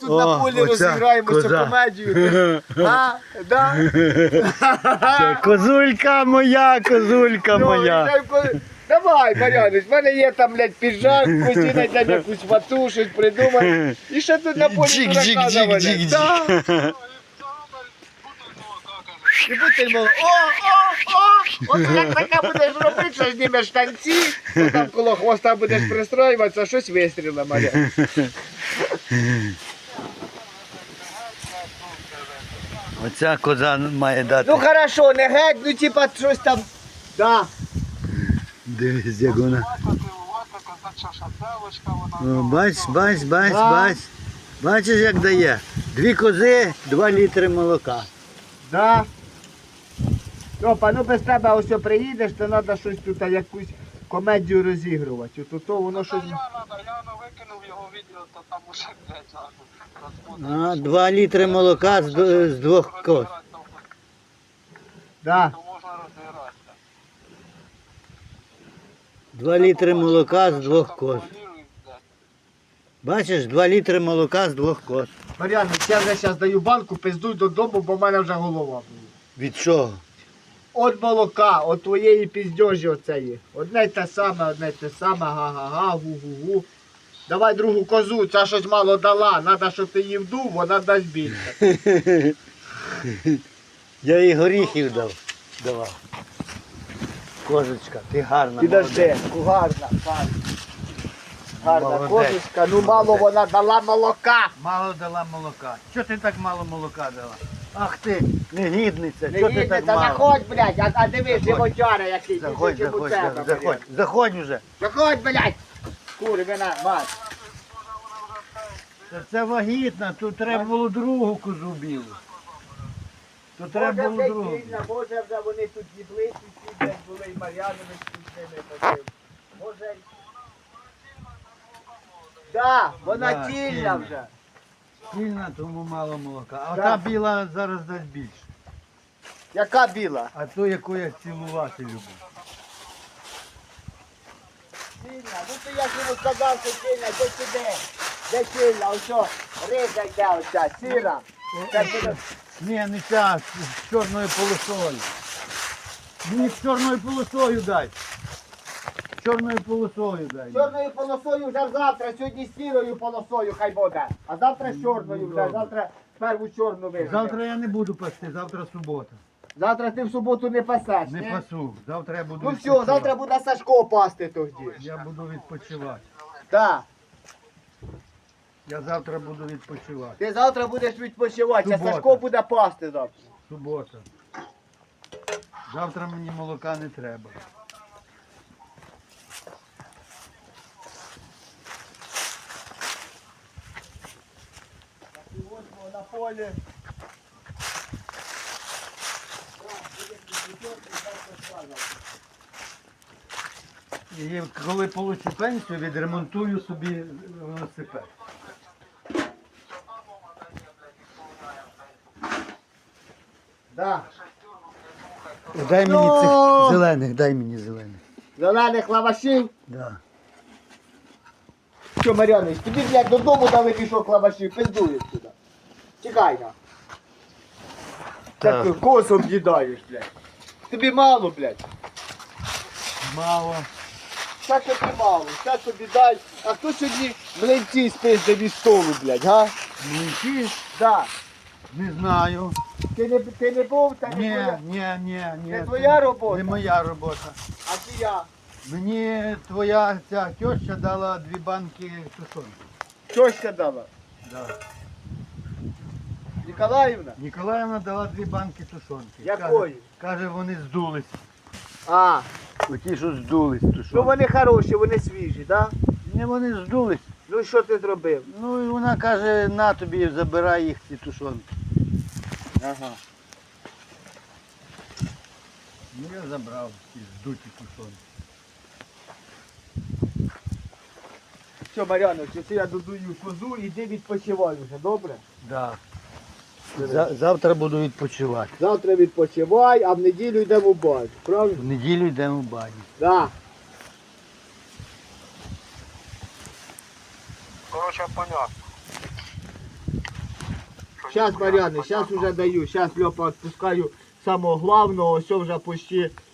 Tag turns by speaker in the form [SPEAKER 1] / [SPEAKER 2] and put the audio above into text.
[SPEAKER 1] тут на полі розіграємо цю комедію. А? Да?
[SPEAKER 2] Козулька моя, козулька моя.
[SPEAKER 1] Давай, Мар'янич, в мене є там, блядь, піджак, постійно там якусь вату, щось придумай. І ще тут на полі дурака завалять. Да. І бутиль молока. О! От як таке будеш робити, що знімеш штанці, то там коло хвоста будеш пристроюватися, щось вистрілила, Мар'ян.
[SPEAKER 2] Оця коза має дати.
[SPEAKER 1] Ну хорошо, не геть, ну типа щось там. Да.
[SPEAKER 2] Дивись, як вона. О, бач. Бачиш, як дає? 2 кози, 2 літри молока.
[SPEAKER 1] Да. Опа, ну без тебе ось приїдеш, то треба щось тут якусь комедію розігрувати. То воно щось.
[SPEAKER 3] Я викинув його відео, то там уже, блядь,
[SPEAKER 2] 2 літри молока з 2 коз.
[SPEAKER 1] Да.
[SPEAKER 3] то можна розігратися.
[SPEAKER 2] 2 літри молока з 2 коз. Бачиш, 2 літри молока з 2 коз.
[SPEAKER 1] Мар'ян, я вже зараз даю банку, пиздуй додому, бо в мене вже голова була.
[SPEAKER 2] Від чого?
[SPEAKER 1] От молока, от твоєї піздьожі оцеї. Одне й те саме, га-га-га, гу-гу-гу. Давай другу козу, ця щось мало дала, треба, щоб ти її вдув, вона дасть більше.
[SPEAKER 2] Я їй горіхів давав. Козочка, ти гарна.
[SPEAKER 1] Підожди, гарна. Гарна
[SPEAKER 2] Молодець.
[SPEAKER 1] козочка, ну мало вона дала молока.
[SPEAKER 2] Мало дала молока. Чого ти так мало молока дала? Ах ти, негідниця,
[SPEAKER 1] Не
[SPEAKER 2] чого ти
[SPEAKER 1] їдьте,
[SPEAKER 2] так
[SPEAKER 1] та
[SPEAKER 2] мало?
[SPEAKER 1] заходь, блядь, а диви, животяра який.
[SPEAKER 2] Заходь,
[SPEAKER 1] тільки у тебе,
[SPEAKER 2] заходь.
[SPEAKER 1] блядь.
[SPEAKER 2] Заходь уже.
[SPEAKER 1] Заходь, блядь. Курвина, мать.
[SPEAKER 2] Це вагітна, тут треба було другу козу білу. Тут треба було другу.
[SPEAKER 1] Може вже вони тут їблиці, всі десь були і Мар'янович тут з ними ходив. Може. Да, вона
[SPEAKER 2] Да,
[SPEAKER 1] тільна
[SPEAKER 2] тільна.
[SPEAKER 1] вже.
[SPEAKER 2] Сильна, тому мало молока. А
[SPEAKER 1] Да.
[SPEAKER 2] та біла зараз дасть більше.
[SPEAKER 1] Яка біла?
[SPEAKER 2] А то, яку я цілувати люблю.
[SPEAKER 1] Сильна. Ну то я ж йому сказав, що сильна, де сюди? Де сильна? Ось що, риза йде оця, сіра. Це буде.
[SPEAKER 2] Ні, не ця, з чорною полосою. Мені з чорною полосою дай. З чорною полосою дай.
[SPEAKER 1] Чорною полосою вже завтра, сьогодні з сірою полосою хай буде. А завтра з чорною вже,
[SPEAKER 2] Добре.
[SPEAKER 1] завтра перву чорну вижити.
[SPEAKER 2] Завтра я не буду пасти, завтра субота.
[SPEAKER 1] Завтра ти в суботу не пасеш,
[SPEAKER 2] Не
[SPEAKER 1] ні?
[SPEAKER 2] пасу. Завтра я буду
[SPEAKER 1] Ну все,
[SPEAKER 2] відпочивати.
[SPEAKER 1] завтра буде Сашко пасти тоді.
[SPEAKER 2] Я буду відпочивати.
[SPEAKER 1] Так.
[SPEAKER 2] Я завтра буду відпочивати.
[SPEAKER 1] Ти завтра будеш відпочивати, а
[SPEAKER 2] Субота.
[SPEAKER 1] Сашко буде пасти завтра.
[SPEAKER 2] Субота. Завтра мені молока не треба.
[SPEAKER 1] На полі.
[SPEAKER 2] І коли получу пенсію, відремонтую собі велосипед.
[SPEAKER 1] Да.
[SPEAKER 2] Дай мені
[SPEAKER 1] Ну.
[SPEAKER 2] цих зелених, дай мені зелених.
[SPEAKER 1] Зелених лавашів.
[SPEAKER 2] Да.
[SPEAKER 1] Що, Мар'янович, тобі, блядь, додому дали мішок лавашів, пиздуєш сюди. Чекай на.
[SPEAKER 2] Так.
[SPEAKER 1] Ти косом їдаєш, блядь. Тобі мало, блядь.
[SPEAKER 2] Мало.
[SPEAKER 1] Що тобі мало, що тобі дай. А хто сьогодні млинці спиздив із столу, блядь, га?
[SPEAKER 2] Млинці?
[SPEAKER 1] Да.
[SPEAKER 2] Не знаю.
[SPEAKER 1] Ти не був, та не
[SPEAKER 2] Ні,
[SPEAKER 1] твоя.
[SPEAKER 2] ні.
[SPEAKER 1] Не твоя робота?
[SPEAKER 2] Не моя робота.
[SPEAKER 1] А ти я.
[SPEAKER 2] Мені твоя ця теща дала 2 банки тушонки.
[SPEAKER 1] Тьоща дала.
[SPEAKER 2] Да.
[SPEAKER 1] Ніколаївна?
[SPEAKER 2] Ніколаївна дала 2 банки тушонки.
[SPEAKER 1] Якої?
[SPEAKER 2] Каже, вони здулись.
[SPEAKER 1] А,
[SPEAKER 2] Оті, що здулись тушонки.
[SPEAKER 1] ну вони хороші, вони свіжі, да?
[SPEAKER 2] Не, вони здулись.
[SPEAKER 1] Ну що ти зробив?
[SPEAKER 2] Ну і вона каже, на тобі, забирай їх ці тушонки.
[SPEAKER 1] Ага.
[SPEAKER 2] Ну я забрав ці здуті тушонки.
[SPEAKER 1] Що, Мар'янович, це я додую козу, іди відпочивай вже, добре?
[SPEAKER 2] Да. Завтра буду відпочивати.
[SPEAKER 1] Завтра відпочивай, а в неділю йдемо в баню, правильно?
[SPEAKER 2] В неділю йдемо в баню.
[SPEAKER 1] Да.
[SPEAKER 3] Коротше, понятно.
[SPEAKER 1] Щас, Мар'яни, щас уже даю. Щас, Льопа, відпускаю самого главного. Ось вже почти